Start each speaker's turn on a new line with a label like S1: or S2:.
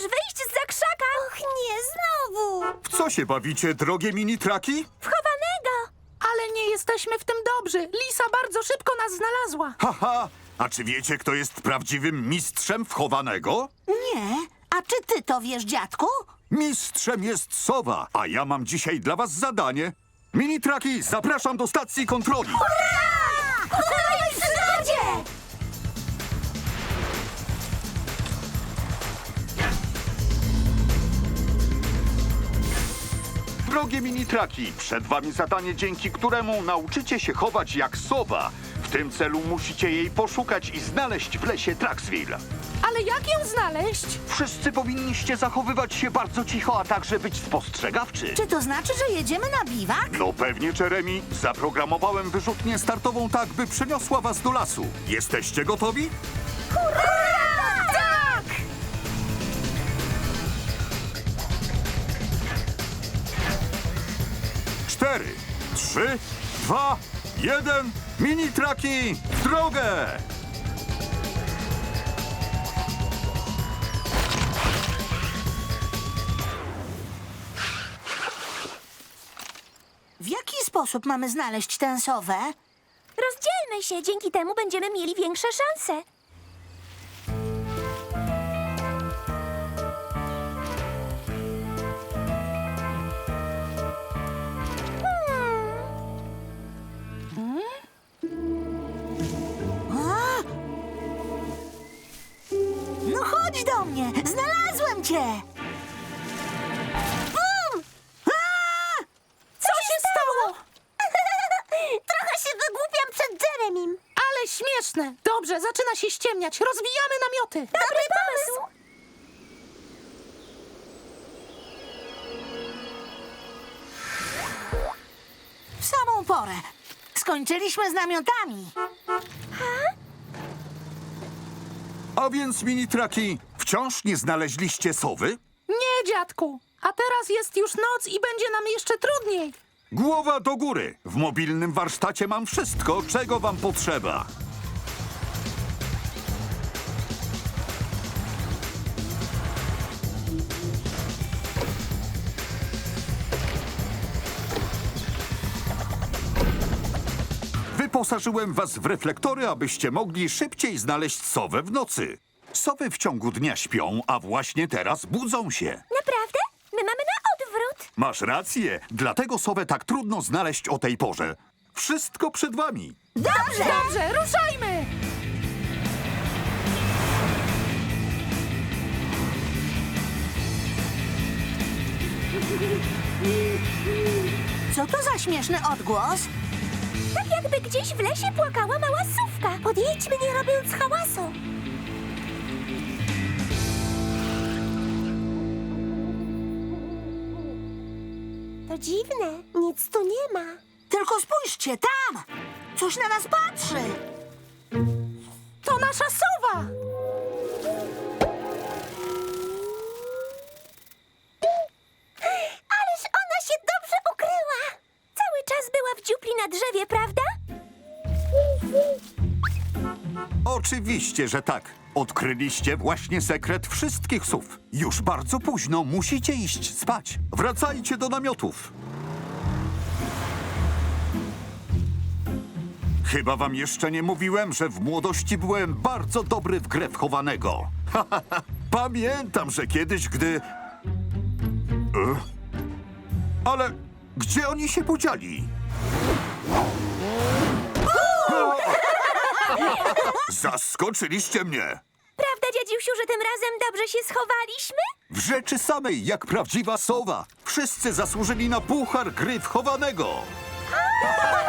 S1: wyjść zza krzaka! Och, nie, znowu!
S2: W co się bawicie, drogie mini-traki?
S1: Wchowanego!
S3: Ale nie jesteśmy w tym dobrzy. Lisa bardzo szybko nas znalazła.
S2: Haha! A czy wiecie, kto jest prawdziwym mistrzem wchowanego?
S4: Nie. A czy ty to wiesz, dziadku?
S2: Mistrzem jest sowa, a ja mam dzisiaj dla was zadanie. Mini-traki, zapraszam do stacji kontroli.
S1: Dawaj, przygodzie!
S2: Drogie mini-traki, przed wami zadanie, dzięki któremu nauczycie się chować jak sowa. W tym celu musicie jej poszukać i znaleźć w lesie Traxville.
S3: Ale jak ją znaleźć?
S2: Wszyscy powinniście zachowywać się bardzo cicho, a także być spostrzegawczy.
S4: Czy to znaczy, że jedziemy na biwak?
S2: No pewnie, Jeremy. Zaprogramowałem wyrzutnię startową tak, by przeniosła was do lasu. Jesteście gotowi?
S1: Tak!
S2: 4, 3, 2, 1. Mini-traki w drogę!
S4: W jaki sposób mamy znaleźć tę sowę?
S1: Rozdzielmy się, dzięki temu będziemy mieli większe szanse.
S4: A? No chodź do mnie! Znalazłem cię! Bum! A!
S3: Co się stało?
S1: Trochę się wygłupiam przed Jeremim.
S3: Ale śmieszne. Dobrze, zaczyna się ściemniać. Rozwijamy namioty.
S1: Dobry pomysł!
S4: W samą porę. Skończyliśmy z namiotami.
S2: A więc, mini-traki, wciąż nie znaleźliście sowy?
S3: Nie, dziadku. A teraz jest już noc i będzie nam jeszcze trudniej.
S2: Głowa do góry. W mobilnym warsztacie mam wszystko, czego wam potrzeba. Wyposażyłem was w reflektory, abyście mogli szybciej znaleźć sowę w nocy. Sowy w ciągu dnia śpią, a właśnie teraz budzą się.
S1: Naprawdę? My mamy na odwrót.
S2: Masz rację, dlatego sowę tak trudno znaleźć o tej porze. Wszystko przed wami.
S4: Dobrze!
S3: Dobrze, ruszajmy.
S4: Co to za śmieszny odgłos?
S1: Tak jakby gdzieś w lesie płakała mała sówka. Podjedźmy, nie robiąc hałasu. To dziwne, nic tu nie ma.
S4: Tylko spójrzcie, tam! Coś na nas patrzy!
S3: To nasza sowa.
S1: Ależ ona się dobrze ukryła. Cały czas była w dziupli na drzewie, prawda?
S2: Oczywiście, że tak. Odkryliście właśnie sekret wszystkich sów. Już bardzo późno, musicie iść spać. Wracajcie do namiotów. Chyba wam jeszcze nie mówiłem, że w młodości byłem bardzo dobry w grę wchowanego. Pamiętam, że kiedyś, gdy... Ale gdzie oni się podzieli? Zaskoczyliście mnie!
S1: Prawda, dziadziusiu, że tym razem dobrze się schowaliśmy?
S2: W rzeczy samej, jak prawdziwa sowa. Wszyscy zasłużyli na puchar gry wchowanego.